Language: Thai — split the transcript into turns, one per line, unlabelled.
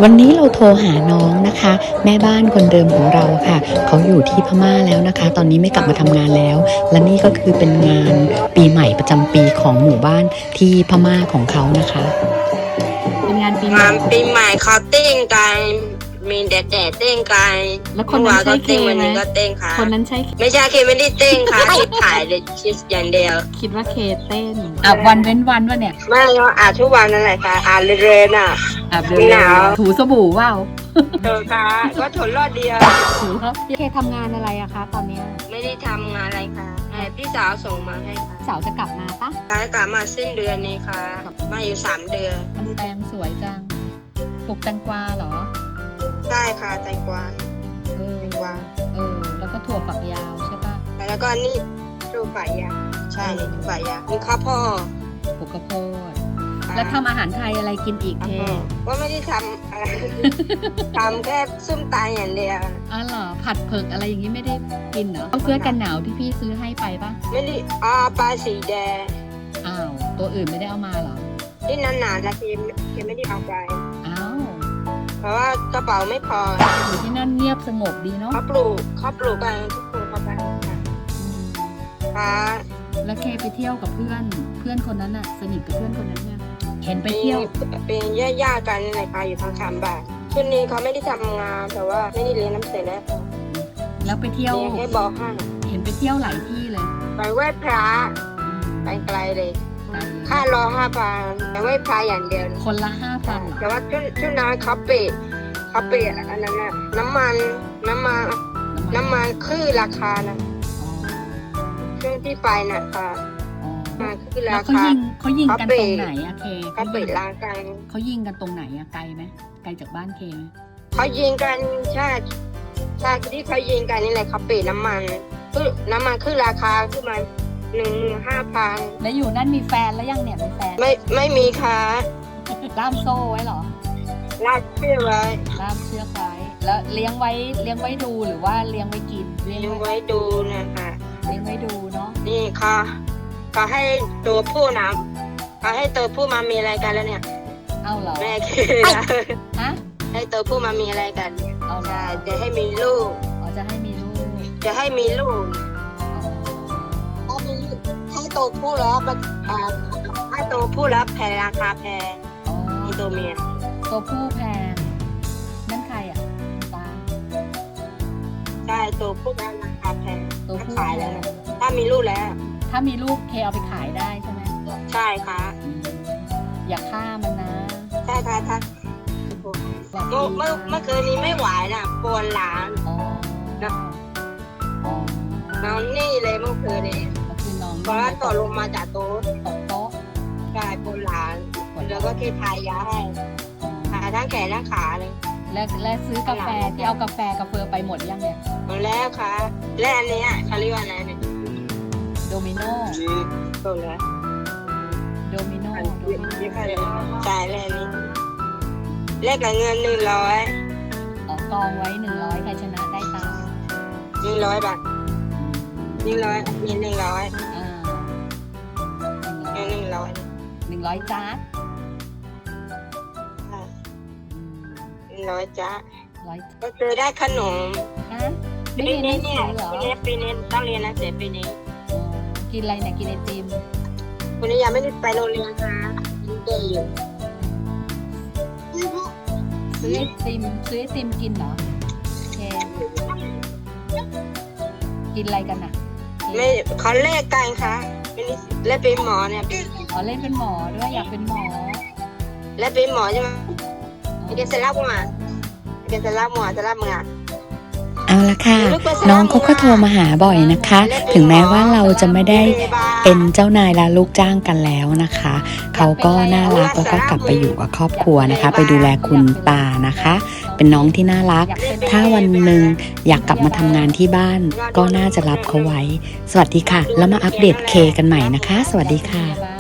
วันนี้เราโทรหาน้องนะคะ แม่บ้านคนเดิมของเราค่ะเขาอยู่ที่พม่าแล้วนะคะตอนนี้ไม่กลับมาทำงานแล้วและนี่ก็คือเป็นงานปีใหม่ประจำปีของหมู่บ้านที่พม่าของเขานะคะเป็นงานปีใหม่
เขาเต้นกันมีแดดเต้นกัน
แล้วคนนั้นใช่เค
วัน
ไหม
นี้ก็เต้นค่ะ
คนนั้นใช่
ไม่ใช่เคไม่ได้เต้นค่ะ คิดถ่ายเลยคิดอย่างเดียว
คิดว่าเคเต้นวันเว้นวันวะเนี่ย
ไม่ก็ทุกวันนั่นแหละค่ะเรนอ่ะ
หนาวถูสบู่ว่าว
ค่ะก็ทนรอดเดียว
ถูครับเคทำงานอะไรอะคะตอนนี้
ไม่ได้ทำงานอะไรค่ะพี่สาวส่งมาให้ค่ะ
สาวจะกลับมาปะ
กลับมาสิ้นเดือนนี้ค่ะมาอยู่3 เดือน
มันแตงสวยจังปลูกแตงกวาเหรอ
ใช่ค่ะแตงกวาแตงกวา
แล้วก็ถั่วฝักยาวใช่ปะ
แล้วก็นี่ถั่วฝักยาวใช่ถั่วฝักยาวมีข้าวโพด
ปลูกข้าวโพดแล้วทำอาหารไทยอะไรกินอีกเท
ว่าไม่ได้ทำอะไรทำแค่ส้มตำอย่างเดียว
เหรอผัดเผือกอะไรอย่างนี้ไม่ได้กินเหรอเสื้อกันหนาวที่พี่ซื้อให้ไปปะ
ไม่ได้ปลาสีแดง
ตัวอื่นไม่ได้เอามาเหรอ
ที่นานๆนะที่ไม่ได้เอาไปเพราะว่ากระเป๋าไม่พอ
อยู่ที่นั่นเงียบสงบดีเนาะ
เขาปลูกกันทุกคนเขาไปค่ะ
แล้วเคไปเที่ยวกับเพื่อนคนนั้นน่ะสนิทกับเพื่อนคนนั้นเนี่ยเห็นไปเที่ยว
เป็นญาติกันในป่าอยู่ทางคำบ่าช่วงนี้เขาไม่ได้ทำงานแต่ว่าไม่ได้เรียนน้ำเสร็จ
แล้วไปเที่ยว
ให้บอกให้
เห็นไปเที่ยวหลายที่เลย
ไปไหว้พระไปไกลเลยค่ารอ5,000แต่ไหว้พระอย่างเดียว
คนละ5,000
แต่ว่าช่วงนั้นเขาเปะอันนั้นน่ะน้ำมันคือราคานะช่วงที่ไปน่ะค่ะคือราคา
เขายิงกันตรงไหนอะเค
เขาเปิดร้านกัน
เขายิงกันตรงไหนอะไกลไหมไกลจากบ้านเคไหม
เขายิงกันใช่ที่เขายิงกันนี่แหละเขาเปิดน้ำมันคือราคาคือมัน15,000
แล้วอยู่นั่นมีแฟนแล้วยังเนี่ยมีแฟน
ไม่มีค่ะ
ล่ามโซ่ไว้เหรอ
ล่ามเชือกไว้
แล้วเลี้ยงไว้ดูหรือว่าเลี้ยงไว้กิน
เลี้ยงไว้ดูนะคะ
เลี้ยงไว้ดูเนาะ
นี่ค่ะเขาให้ตัวผู้นะเขาให้ตัวผู้มามีอะไรกันแล้วเนี่ย
เอาเหรอ
แม่คือ
ฮะ
ให้ตัวผู้มามีอะไรกันใช่จะให้มีลูก
จะให้มีลูก
ให้ตัวผู้แล้วให้ตัวผู้แล้วแพงราคาแพงมีตัวเมีย
ตัวผู้แพงนั่นใครอ่ะตา
ใช่ตัวผู้ราคาแพงตัวผู้ขายแล้วถ้ามีลูก
เคเอาไปขายได้ใช่ไหม
ใช่ค่ะ
อย่าฆ่ามันนะ
ใช่ค่ะเมื่อคืนนี้ไม่ไหวนะปวดหลังนอนนี่เลยเมื่อคืนนี้เพราะว่าตกลงมาจากโต๊ะกลายปวดหลังแล้วก็เคทายาให้ทาทั้งแขนทั้งขาเลย
และซื้อกาแฟที่เอากาแฟไปหมดยังเนี่ย
หมดแล้วค่ะและอันนี้เขาเรียกว่าอะไรเนี่ย
โดมิโน่
ตัวแล้ว
โดมิโน่
จ่ายเลยนี่เลขกับเงิน
100กองไว้100ใครชนะได้ตังค์
100 บาท100มี100
จ้า
100จ้าก็คือได้ขนม
ไม่เรียนหนังสือเหรอ
ปีนี้ต้องเรียนนะเสร็จปีนี้
กินอะไรเนี่ยกินไอติม
วันนี้ยังไม่ได้ไปโรงเรียนค่ะกินเกย์อยู่
ซื้อไอติมกินเหรอแกกินอะไรกันอ่ะ
ไม่เขาเลขกันค่ะเล่นเป็นหมอเนี่ย
เล่นเป็นหมอด้วยอยากเป็นหมอ
เล่นเป็นหมอใช่ไหมเกษตรหมอ
เอาละค่ะน้องเขาก็โทรมาหาบ่อยนะคะถึงแม้ว่าเราจะไม่ได้เป็นเจ้านายและลูกจ้างกันแล้วนะคะเขาก็น่ารักแล้วก็กลับไปอยู่กับครอบครัวนะคะไปดูแลคุณตานะคะเป็นน้องที่น่ารักถ้าวันหนึ่งอยากกลับมาทำงานที่บ้านก็น่าจะรับเขาไว้สวัสดีค่ะแล้วมาอัปเดตเคกันใหม่นะคะสวัสดีค่ะ